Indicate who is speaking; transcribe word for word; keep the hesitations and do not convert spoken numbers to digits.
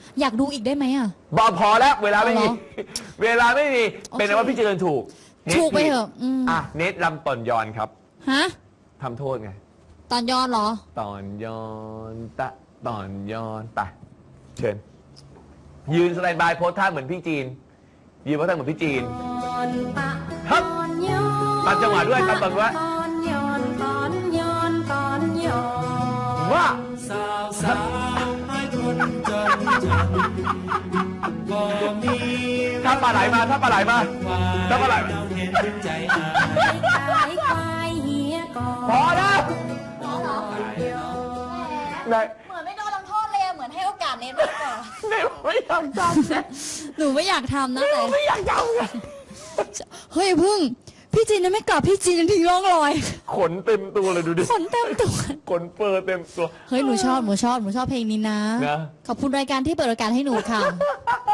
Speaker 1: อยากดูอีกได้ไหมอ่ะ
Speaker 2: บอพอแล้วเวลาไม่มีเวลาไม่มีเป็นว่าพี่เจริญถูก
Speaker 1: ถูกไปเถอะ
Speaker 2: อ่ะเนตรำตอนย้อนครับ
Speaker 1: ฮะ
Speaker 2: ทำโทษไง
Speaker 1: ตอนย้อนเหรอ
Speaker 2: ตอนย้อนตะตอนย้อนไปเชิญยืนสแตนบายโพสท่าเหมือนพี่จีนยืนโพสท่าเหมือนพี่จีนครับตัดจังหวะด้วยตัดตอนว่าว่าถ้าปลาไหลมาถ้าปลาไหลมาถ้าปลาไหลพอแล้วเห
Speaker 1: มือนไม่โดนลงโทษเลยเหมือนให้โอกาสเนทมากกว่า
Speaker 2: เนทไม่อยากท
Speaker 1: ำหนูไม่อยากทำนะแต่
Speaker 2: ไม่อยากทำไง
Speaker 1: เฮ้ยพึ่งพี่จีนยังไม่กลับพี่จีนยังทิ้งร่องรอย
Speaker 2: ขนเต็มตัวเลยดูดิ
Speaker 1: ขนเต็มตัว
Speaker 2: ขนเฟอร์เต็มตัว
Speaker 1: เฮ้ยหนูชอบหนูชอบหนูชอบเพลงนี้นะขอบคุณรายการที่เปิดโอกาสให้หนูค่ะ